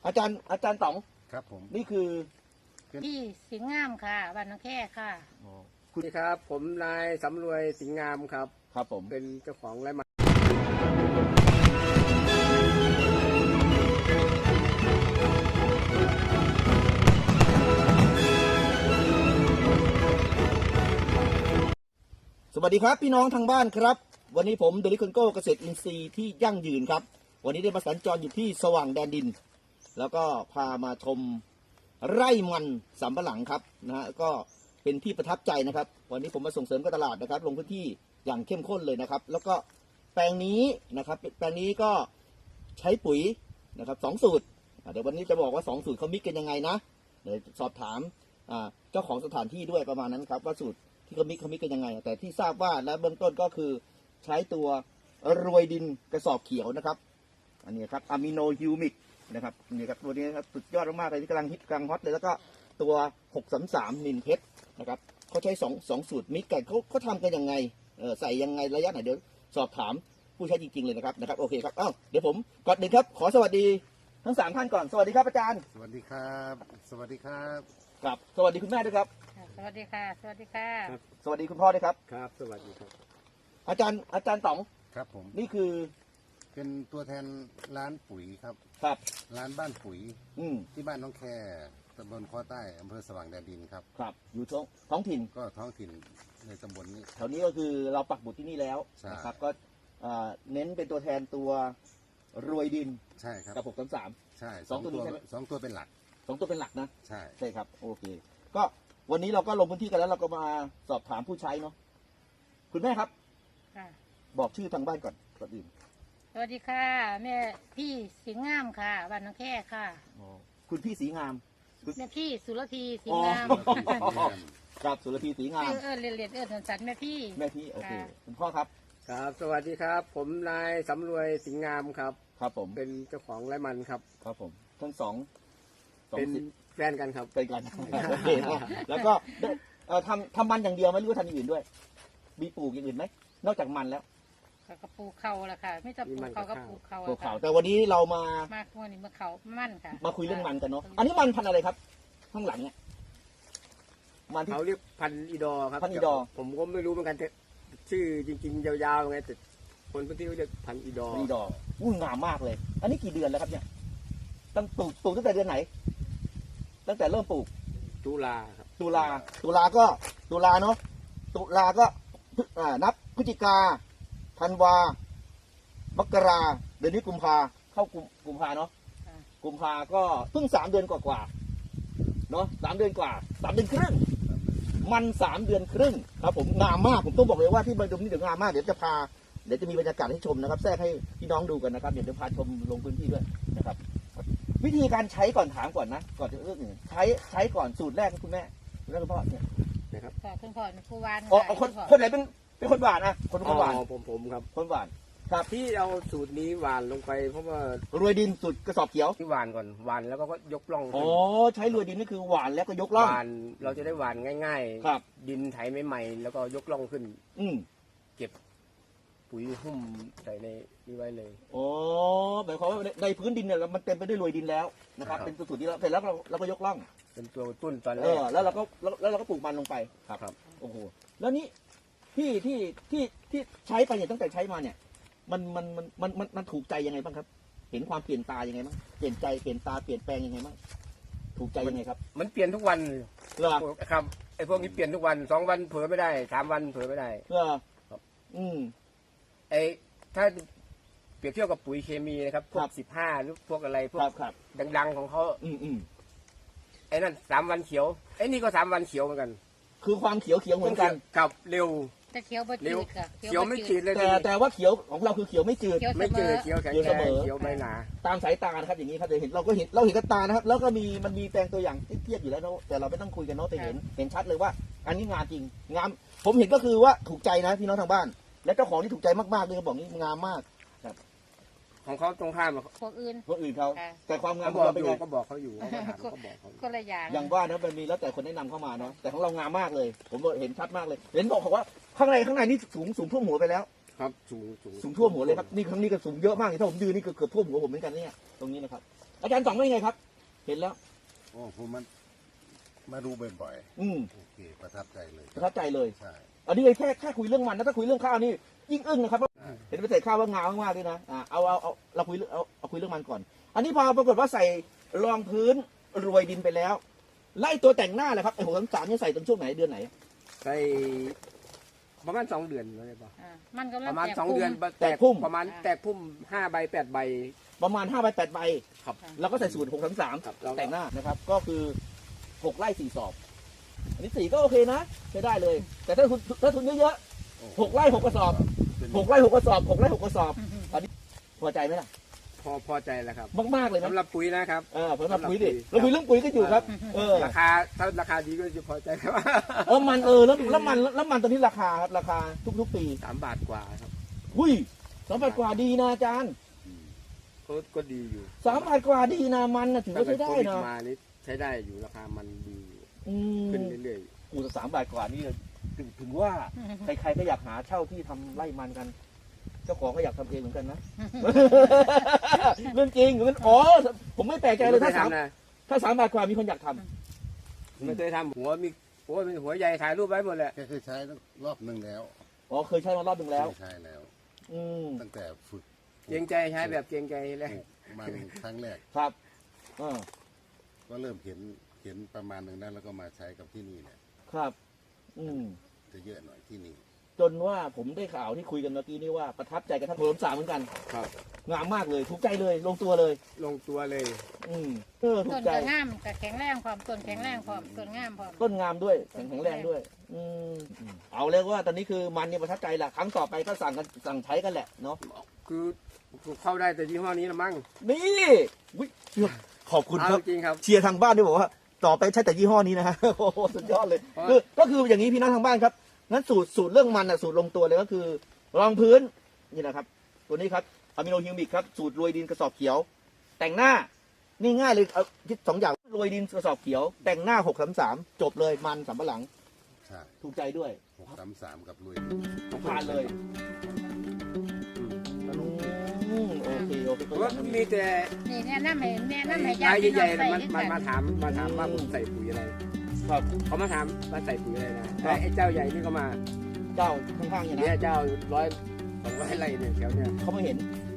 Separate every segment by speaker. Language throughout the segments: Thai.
Speaker 1: อาจารย์ต๋อง
Speaker 2: ครับผม
Speaker 1: นี่คือ
Speaker 3: พี่สิงห์งามค่ะบ้านน้องแค่ค่ะ
Speaker 4: คุณครับผมนายสำรวยสิงห์งามครับ
Speaker 1: ครับผม
Speaker 4: เป็นเจ้าของไร่มัน
Speaker 1: สวัสดีครับพี่น้องทางบ้านครับวันนี้ผมเดลิคอนโก้เกษตรอินทรีย์ที่ยั่งยืนครับวันนี้ได้มาสัญจรอยู่ที่สว่างแดนดินแล้วก็พามาชมไร่มันสำปะหลังครับนะฮะก็เป็นที่ประทับใจนะครับวันนี้ผมมาส่งเสริมการตลาดนะครับลงพื้นที่อย่างเข้มข้นเลยนะครับแล้วก็แปลงนี้นะครับแปลงนี้ก็ใช้ปุ๋ยนะครับ2 สูตรเดี๋ยววันนี้จะบอกว่า2 สูตรเขามิกกันยังไงนะเดี๋ยวสอบถามเจ้าของสถานที่ด้วยประมาณนั้นครับว่าสูตรที่เขามิกกันยังไงแต่ที่ทราบว่าและเบื้องต้นก็คือใช้ตัวรวยดินกระสอบเขียวนะครับอันนี้ครับอะมิโนฮิวมิกนะครับนี่ครับตัวนี้ครับสุดยอดมากๆเลยที่กำลังฮิตกำลังฮอตเลยแล้วก็ตัว633นินเพชรนะครับเขาใช้2 สูตรมิกกันเขาทำกันยังไงใส่ยังไงระยะไหนเดี๋ยวสอบถามผู้ใช้จริงๆเลยนะครับโอเคครับเดี๋ยวผมก่อนหนึ่งครับขอสวัสดีทั้ง3 ท่านก่อนสวัสดีครับอาจารย์
Speaker 2: สวัสดีครับสวัสดีครับ
Speaker 1: ครับสวัสดีคุณแม่ด้วยครับ
Speaker 3: สวัสดีค่ะ สวัสดีค่ะ
Speaker 1: สวัสดีคุณพ่อด้วยครับ
Speaker 4: ครับสวัสดีครับ
Speaker 1: อาจารย์ต๋อง
Speaker 2: ครับผม
Speaker 1: นี่คือ
Speaker 2: เป็นตัวแทนร้านปุ๋ยครับ
Speaker 1: ครับ
Speaker 2: ร้านบ้านปุ๋ย
Speaker 1: อืม
Speaker 2: ที่บ้านน้องแคตำบลข้อใต้อำเภอสว่างแดนดินครับ
Speaker 1: ครับอยู่ท้องถิ่น
Speaker 2: ก็ท้องถิ่นในตำบลนี้
Speaker 1: แถวนี้ก็คือเราปักหมุดที่นี่แล้ว
Speaker 2: ใช่
Speaker 1: นะครับก็เน้นเป็นตัวแทนตัวรวยดิน
Speaker 2: ใช่ครับ
Speaker 1: กับ633
Speaker 2: ใช่
Speaker 1: สองตัวนี้ใช่ไหม
Speaker 2: สองตัวเป็นหลัก
Speaker 1: 2 ตัวเป็นหลักนะ
Speaker 2: ใช่
Speaker 1: ใช่ครับโอเคก็วันนี้เราก็ลงพื้นที่กันแล้วเราก็มาสอบถามผู้ใช้เนาะคุณแม่ครับ
Speaker 3: ค่ะ
Speaker 1: บอกชื่อทางบ้านก่อนอื่น
Speaker 3: สวัสดีค่ะ แม่พี่สิงห์งามค่ะบ้านน้องแค่ค่ะ
Speaker 1: คุณพี่สีงาม
Speaker 3: แม่พี่สุรธีสิงห์งาม
Speaker 1: ครับสุรพีสีงาม
Speaker 3: เรียนสันแม่พี่
Speaker 1: แม่พี่โอเค
Speaker 3: ค่ะ
Speaker 1: คุณพ่อครับ
Speaker 4: ครับสวัสดีครับ ผมนายสำรวยสิงห์งามครับ
Speaker 1: ครับผม
Speaker 4: เป็นเจ้าของไร่มันครับ
Speaker 1: ครับผมทั้งสอง
Speaker 4: เป็น
Speaker 1: สิบ
Speaker 4: แฟนกันครับ
Speaker 1: เป็นกันโอเคนะแล้วก็ทำมันอย่างเดียวไหมหรือว่าทำอย่างอื่นด้วย มีปลูกอย่างอื่นไหมนอกจากมันแล้ว
Speaker 3: ก็ปลูกเขาละค่ะ ไม่จะปลูกเขาก็ปลูกเขา
Speaker 1: ปลูก
Speaker 3: อะ
Speaker 1: เขา
Speaker 3: ค่ะ
Speaker 1: แต่วันนี้เรามา
Speaker 3: มากวันนี้มาเขามั่นค่ะ
Speaker 1: มาคุยเรื่องมันกันเนาะอันนี้มันพันธุ์อะไรครับ ข้างหลังเนี่ยมันที่
Speaker 4: เขาเรียกพันธุ์อีดอร์ครับ
Speaker 1: พันธุ์อีดอร์
Speaker 4: ผมก็ไม่รู้เหมือนกันแต่ชื่อจริงๆ ยาวๆไงแต่คนพื้นที่เขาเรียกพันธุ์อีดอร์
Speaker 1: ดีดอกงามมากเลย อันนี้กี่เดือนแล้วครับเนี่ยตั้งปลูกตั้งแต่เดือนไหน ตั้งแต่เริ่มปลูก
Speaker 4: ตุลาครับ
Speaker 1: ตุลาเนาะตุลาก็นับพฤศจิกาธันวามกราเดือนนี้กุมภาเข้ากุมภาเนาะ
Speaker 3: ค่ะ
Speaker 1: กุมภาก็เพิ่ง3 เดือนกว่าๆเนาะ3 เดือนกว่า3 เดือนครึ่งมัน3 เดือนครึ่งครับผมงามมากผมต้องบอกเลยว่าที่มาดูนี่เดี๋ยวงามมากเดี๋ยวจะมีบรรยากาศให้ชมนะครับแทรกให้พี่น้องดูกันนะครับเดี๋ยวจะพาชมลงพื้นที่ด้วยนะครับ วิธีการใช้ก่อนถามก่อนนะก่อนจะเรื่องอื่นใช้ก่อนสูตรแรกคุณแม่คุณพ่อเนี่ย
Speaker 4: นะครับ
Speaker 3: ขอบคุณพ่อเป็นผู้วาน
Speaker 1: อ๋อ
Speaker 3: ค่ะ
Speaker 1: คนไหนเป็นคนหวานอะคนหวาน
Speaker 4: อ๋อผมครับ
Speaker 1: คนหวานครับ
Speaker 4: ที่เอาสูตรนี้หวานลงไปเพราะว่าร
Speaker 1: วยดินสูตรกระสอบเขียว
Speaker 4: ที่หวานก่อนหวานแล้วก็ยกล่อง
Speaker 1: อ๋อใช้รวยดินนี่คือหวานแล้วก็ยกล่อง
Speaker 4: หวานเราจะได้หวานง่าย
Speaker 1: ครับ
Speaker 4: ดินไถใหม่ๆแล้วก็ยกล่องขึ้น
Speaker 1: อืม
Speaker 4: ปุ๋ยหุ้มใส่ในนี้ไว้เลย
Speaker 1: อ๋อหมายความว่าในพื้นดินเนี่ยมันเต็มไปด้วยรวยดินแล้วนะครับ
Speaker 4: ครับ
Speaker 1: เป็นสูตรที่เราเสร็จแล้วเราก็ยกล่อง
Speaker 4: เป็นตัวตุ้นตอนแรก
Speaker 1: แล้วเราก็ปลูกมันลงไปครับ
Speaker 4: ครับ
Speaker 1: โอ้โหแล้วนี่ที่ใช้ไปเนี่ยตั้งแต่ใช้มาเนี่ย มันถูกใจยังไงบ้างครับ เห็นความเปลี่ยนตายังไงบ้างเปลี่ยนใจเปลี่ยนตาเปลี่ยนแปลงยังไงบ้างถูกใจยังไงครับ
Speaker 4: มันเปลี่ยนทุกวัน
Speaker 1: เหรอ
Speaker 4: ครับไอ้พวกนี้เปลี่ยนทุกวัน2 วันเผลอไม่ได้3 วันเผลอไม่ได้
Speaker 1: เหรอ
Speaker 4: ครับ
Speaker 1: อืม
Speaker 4: ไอ้ถ้าเปรียบเทียบกับปุ๋ยเคมีนะครับพว
Speaker 1: ครั
Speaker 4: ก
Speaker 1: บ
Speaker 4: 15หรือพวกอะไรพว
Speaker 1: ค
Speaker 4: ก
Speaker 1: รับครับ
Speaker 4: ดังๆของเขา
Speaker 1: อืม
Speaker 4: ไอ้นั่น3 วันเขียวไอ้นี่ก็3 วันเขียวเหมือนกัน
Speaker 1: คือความเขียวเหมือนกัน
Speaker 4: ครับเร็ว
Speaker 3: แต่เขียวบะ
Speaker 4: เร็
Speaker 3: จื
Speaker 4: ว
Speaker 3: ดค่ะ
Speaker 4: เขียวไม่จืดเลย
Speaker 1: แต่ว่าเขียวของเราคือเขียวไม่จืด
Speaker 3: เขียวเส
Speaker 4: ไม่
Speaker 3: ม
Speaker 4: จื
Speaker 3: อ
Speaker 4: ดเขียวแข็ง
Speaker 1: เขียว
Speaker 4: แร
Speaker 1: เสม
Speaker 4: ง
Speaker 1: อ
Speaker 4: เขียวใบหนา
Speaker 1: ตามสายตานะครับอย่างนี้ครับเราเห็นกับตานะครับ แล้วก็มันมีแปลงตัวอย่างที่เทียบอยู่แล้วเนาะแต่เราไม่ต้องคุยกันเนาะแต่เห็นชัดเลยว่า อันนี้งามจริงงามผมเห็นก็คือว่าถูกใจนะพี่น้องทางบ้าน และเจ้าของที่ถูกใจมากๆเลยเขาบอกนี่งามมาก
Speaker 4: ของเขาตรงข้ามอะ
Speaker 3: พวกอื่น
Speaker 1: คนอื่นเขา
Speaker 3: ค่ะ
Speaker 1: แต่ความงาม
Speaker 4: เขา
Speaker 1: ของ
Speaker 4: บอก
Speaker 1: เราเป็น
Speaker 4: อยู่
Speaker 1: ไง
Speaker 4: ก็บอกเขาอยู่เขาก็ถามเขาบอกเขา
Speaker 3: ก็ละอย่าง
Speaker 1: อย่างว่านะมันมีแล้วแต่คนแนะนำเข้ามาเนาะแต่ของเรางามมากเลย ผมเห็นชัดมากเลยเห็นบอกว่าข้างในนี่สูงท่วมหัวไปแล้ว
Speaker 4: ครับสูง
Speaker 1: สูงท่วมหัวเลยครับนี่ครั้งนี้ก็สูงเยอะมากเลยถ้าผมยืนนี่เกือบท่วมหัวผมเหมือนกันเนี่ยตรงนี้นะครับอาจารย์ต่องว่ายังไงครับ เห็นแล้ว
Speaker 2: โอ้ผมมันมาดูบ่อย
Speaker 1: อืม
Speaker 2: ๆโอเคประทับใจเลย
Speaker 1: ประทับใจเลย
Speaker 2: ใช่
Speaker 1: อันนี้เลยแค่คุยเรื่องมันนะถ้าคุยเรื่องข้าวนี่ยิ่งอึ้งนะครับ
Speaker 2: ใช่
Speaker 1: เห็นไปใส่ข้าวว่างามมากๆเลยนะเอาเราคุยเอาคุยเรื่องมันก่อน อันนี้พอปรากฏว่าใส่รองพื้นโรยดินไปแล้ว ไล่ตัวแต่งหน้าเลยครับไอ้633เนี่ยใส่ตอนช่วงไหนเดือนไหน
Speaker 4: ใส่ประมาณ2 เดือนเลยป่ะ
Speaker 3: มันก็
Speaker 4: ประมาณ
Speaker 3: แตก
Speaker 4: 2 เดือน
Speaker 1: แตกพุ่ม
Speaker 4: ประมาณแตกพุ่ม5 ใบ 8 ใบ
Speaker 1: ประมาณ5 ใบ 8 ใบ
Speaker 4: ครับ
Speaker 1: แล้วก็ใส่สูตร
Speaker 4: ครับ
Speaker 1: 633แต่งหน้านะครับ ก็คือ6ไร่4 สอบ อันนี้4ก็โอเคนะใช้ได้เลย แต่ถ้าทุนเยอะๆ6ไร่6กระสอบ6ไร่6กระสอบ6ไร่6กระสอบอันนี้พอใจไหมล่ะ
Speaker 4: พอใจแล้วครับ
Speaker 1: มากๆเลยนะ
Speaker 4: สำหรับปุ๋ยนะครับ
Speaker 1: สำหรับปุ๋ยดิ
Speaker 4: สำหรับปุ๋ย
Speaker 1: เราคุยเรื่องปุ๋ยก็อยู่ครับ
Speaker 4: ราคาถ้าราคาดีก็จะพอใจครับ
Speaker 1: แล้วมันตอนนี้ราคาครับราคาทุกปี
Speaker 4: 3 บาทกว่าครับ
Speaker 1: หุ้ย3 บาทกว่าดีนะอาจารย์
Speaker 4: ก็ดีอยู่
Speaker 1: 3 บาทกว่าดีนะมันนะถือว่าใช้ได้
Speaker 4: ตั้งแต่โควิ
Speaker 1: นะ
Speaker 4: มานี่ใช้ได้อยู่ราคามันดีอยู่
Speaker 1: อืม
Speaker 4: ขึ้นเรื่อย
Speaker 1: กูจะ3 บาทกว่านี่ถึงว่าใครๆก็อยากหาเช่าที่ทำไร่มันกัน เจ้าของก็อยากทำเองเหมือนกันนะ เรื่องจริงมันผมไม่แปลก
Speaker 4: ๆ
Speaker 1: ใจเลย
Speaker 4: ไม่
Speaker 1: ถ้า
Speaker 4: คยทำนะ
Speaker 1: 3 บาทกว่ามีคนอยากทำ
Speaker 4: ไม่เคยทำหัวเป็นหัวใหญ่ถ่ายรูปไว้หมดแหละ
Speaker 2: แค่เคยใช้รอบหนึ่งแล้ว
Speaker 1: เคยใช้มารอบหนึ่งแล้ว
Speaker 2: เคยใช้แล้ว
Speaker 1: อืม
Speaker 2: ตั้งแต่ฝึก
Speaker 4: เกรงใจใช้แบบเกรงใจ
Speaker 2: ป
Speaker 4: เลย
Speaker 2: ลูกมันครั้งแรก
Speaker 1: ครับอ่า
Speaker 2: ก็เริ่มเห็นประมาณหนึ่งนั้นแล้วก็มาใช้กับที่นี่เนี่ย
Speaker 1: ครับ อืม
Speaker 2: จะเยอะหน่อยที่นี่
Speaker 1: จนว่าผมได้ข่าวที่คุยกันเมื่อกี้นี่ว่าประทับใจกับท่านผลสามเหมือนกัน
Speaker 4: ครับ
Speaker 1: งามมากเลยถูกใจเลยลงตัวเลย
Speaker 4: ลงตัวเลย
Speaker 1: อืมถู
Speaker 3: ต้
Speaker 1: ก
Speaker 3: น
Speaker 1: ใจ
Speaker 3: ก็งามกับแข็งแรงพร้อมต้นแข็งแรงพร้อมต้นงามพร้อม
Speaker 1: ต้นงามด้วยแข็งแรงด้วย อืมเอาเลยว่าตอนนี้คือมันเนี่ยประทับใจแหละครั้งต่อไปก็สั่งใช้กันแหละเนาะ
Speaker 4: คือเข้าได้แต่ยี่ห้อนี้ละมั้ง
Speaker 1: นี่อุ๊ยขอบคุณค
Speaker 4: เอา
Speaker 1: รับ
Speaker 4: จริงครับ
Speaker 1: เชียร์ทางบ้านด้วยบอกว่า ต่อไปใช้แต่ยี่ห้อนี้นะฮะ โอ้โหสุดยอดเลย
Speaker 4: เพราะ
Speaker 1: ก็คืออย่างนี้พี่น้องทางบ้านครับงั้นสูตรเรื่องมันอ่ะสูตรลงตัวเลยก็คือรองพื้นนี่นะครับ ตัวนี้ครับอะมิโนฮิวมิกครับสูตรโรยดินกระสอบเขียว แต่งหน้านี่ง่ายเลยเอาคิด2 อย่างโรยดินกระสอบเขียว แต่งหน้า633จบเลยมันสำปะหลัง
Speaker 2: ใช่
Speaker 1: ถูกใจด้วย
Speaker 2: 633กับลุย
Speaker 1: ผ่านเลยโอเค
Speaker 4: เพราะว่ามีแต่
Speaker 3: นี่แนะนำให้
Speaker 4: ราย
Speaker 3: พี่
Speaker 4: ให
Speaker 3: น้
Speaker 4: ญ่
Speaker 3: อง
Speaker 4: ๆ
Speaker 3: ใส่
Speaker 4: น่ะ
Speaker 3: ด้วย
Speaker 4: มา
Speaker 3: กัน
Speaker 4: ถามว่าผมใส่ปุ๋ยอะไร
Speaker 1: ครับ
Speaker 4: เขามาถามว่าใส่ปุ๋ยอะไรนะไอ้เจ้าใหญ่นี่ก็มา
Speaker 1: เจ้าข้างๆเนี่ย
Speaker 4: เนี่ย
Speaker 1: นะ
Speaker 4: เจ้า200ไร่เนี่ยแถวเนี่ย
Speaker 1: เขาไม่เห็น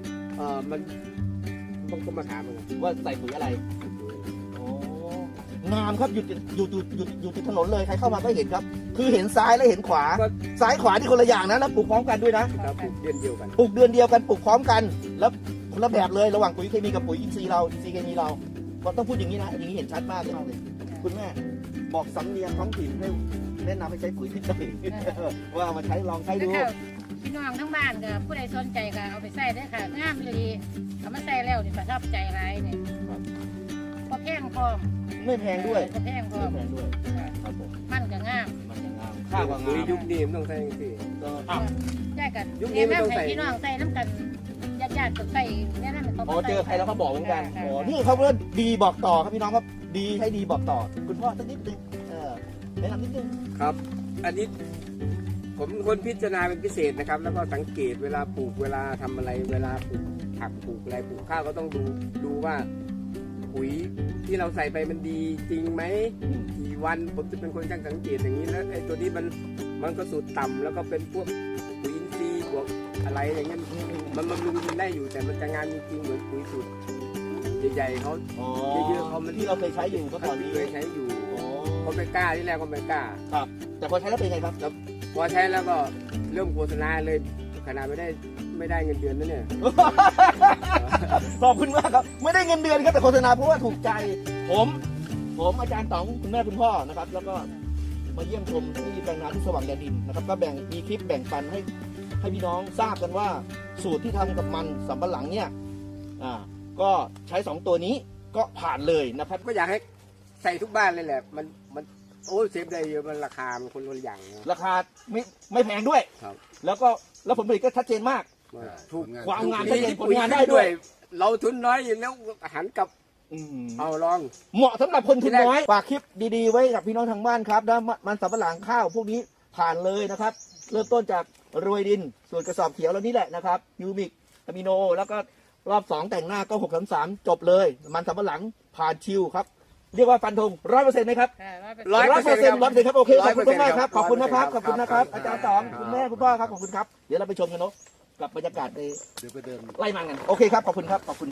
Speaker 4: มันก็มาถามเหมือนกัน
Speaker 1: ว่าใส่ปุ๋ยอะไร โอ้งามครับอยู่ติดถนนเลยใครเข้ามาก็เห็นครับ คือเห็นซ้ายและเห็นขวา ซ้ายขวาที่คนละอย่างนะแล้วปลูกพร้อมกันด้วยนะครับ
Speaker 4: ปลูกเดือนเดียวกัน
Speaker 1: ปลูกเดือนเดียวกันปลูกพร้อมกัน แล้วคนละแบบเลยระหว่างปุ๋ยเคมีกับปุ๋ยอินทรีย์เราอินทรีย์เคมีเราก็ต้องพูดอย่างนี้นะอย่างนี้เห็นชัดมากเลยคุณแม่บอกสำเนียงท้องถิ่นให้แนะนำให้ใช้ปุ๋ยที่ไหน ว่าเอามาใช้ลองใช้
Speaker 3: แล้ว
Speaker 1: ดู
Speaker 3: ก็พี่น้องทั้งบ้านก็ผู้ใดสนใจก็เอาไปใส่ได้ค่ะงามเลยเอามาใส่แล้วนี่ประทับใจหลายเนี่ยพอแพงพร้อม
Speaker 1: ไม่แพงด้วย
Speaker 3: พอแพงพร้อ
Speaker 1: ไม่
Speaker 3: ม
Speaker 1: แพงด้วยครับผม
Speaker 3: มันก็งาม
Speaker 1: มันจะงามข้าวก็
Speaker 4: ปุ๋ย
Speaker 1: งาม
Speaker 4: ยุคนี้มันต้องใส่ยังสิ
Speaker 1: ก็อ้าว
Speaker 3: ได้กัน
Speaker 4: ยุคนี้
Speaker 3: แนะ
Speaker 4: ไม่ต้อง
Speaker 3: นำให้
Speaker 4: ใส่
Speaker 3: พี่น้องใส่น้ำกันญาติๆก็ใส่แนะนำให้เขา
Speaker 1: อ๋อเจอใครแล้วเขาบอกเหมือนกัน
Speaker 3: ค่ะ
Speaker 1: อ๋อนี่เขาเรียกดีบอกต่อครับพี่น้องครับดีให้ดีบอกต่อ คุณพ่อสักนิดนึงแนะนำนิดนึง
Speaker 4: ครับ อันนี้ผมเป็นคนพิจารณาเป็นพิเศษนะครับ แล้วก็สังเกตเวลาปลูกเวลาทำอะไรเวลาปลูกผักปลูกอะไรปลูกข้าวก็ต้องดูว่าปุ๋ยที่เราใส่ไปมันดีจริงไหมกี่วันผมจะเป็นคนช่างสังเกตอย่างนี้แล้วไอ้ตัวนี้มันก็สูตรต่ำแล้วก็เป็นพวกปุ๋ยอินทรีย์พวกอะไรอย่างเงี้ยมันบำรุงดินได้อยู่แต่มันจะงานจริงๆเหมือนปุ๋ยสูตรใหญ่ๆเขา
Speaker 1: อ๋อ
Speaker 4: เยอะๆเขามัน
Speaker 1: ที่เราเคยใช้อยู่เมื่อก่อนนี้
Speaker 4: เคยใช้อยู่
Speaker 1: อ๋อ
Speaker 4: ก็ไม่กล้าที่แรกก็ไม่กล้า
Speaker 1: ครับ แต่พอใช้แล้วเป็นไงครับ
Speaker 4: พอใช้แล้วก็เริ่มโฆษณาเลยขนาดไม่ได้เงินเดือนนะเนี่ย
Speaker 1: ขอบคุณมากครับ ไม่ได้เงินเดือนครับแต่โฆษณาเพราะว่าถูกใจ ผมอาจารย์ต๋องคุณแม่คุณพ่อนะครับ แล้วก็มาเยี่ยมชมที่แปลงนาที่สว่างแดนดินนะครับก็มีคลิปแบ่งปันให้พี่น้องทราบกันว่า สูตรที่ทำกับมันสำปะหลังเนี่ยก็ใช้2ตัวนี้ก็ผ่านเลยนะครับ
Speaker 4: ก็อยากให้ใส่ทุกบ้านเลยแหละ มันโอ้เซฟได้เยอะมันราคามันคนละอย่างนะ
Speaker 1: ราคาไม่แพงด้วย
Speaker 4: ครับ
Speaker 1: แล้วผลผลิตก็ชัดเจนมาก
Speaker 4: ถูก
Speaker 1: ความงาม
Speaker 4: ดี
Speaker 1: ผลงานได้ด้วย
Speaker 4: เราทุนน้อยอยู่แล้วหันกลับเอาลอง
Speaker 1: เหมาะสำหรับคนทุนน้อยฝากคลิปดีๆไว้กับพี่น้องทางบ้านครับแล้วมันสำปะหลังข้าวพวกนี้ผ่านเลยนะครับ เริ่มต้นจากโรยดินส่วนกระสอบเขียวแล้วนี่แหละนะครับยูมิกอะมิโนแล้วก็รอบ 2 แต่งหน้าก็633จบเลยมันสำปะหลังผ่านชิวครับเรียกว่าฟันธง100%ไหมครับ
Speaker 3: ค่ะ
Speaker 1: 100%ครับโอเคขอบคุณมากครับขอบคุณนะครับ
Speaker 4: 100%
Speaker 1: ขอบคุณนะครับอาจารย์สองคุณแม่คุณพ่อครับขอบคุณครับเดี๋ยวเราไปชมกันเนาะกับบรรยากาศใน
Speaker 2: เดี๋ยวไปเดิน
Speaker 1: ไล่มันกันโอเคครับขอบคุณครับขอบคุณ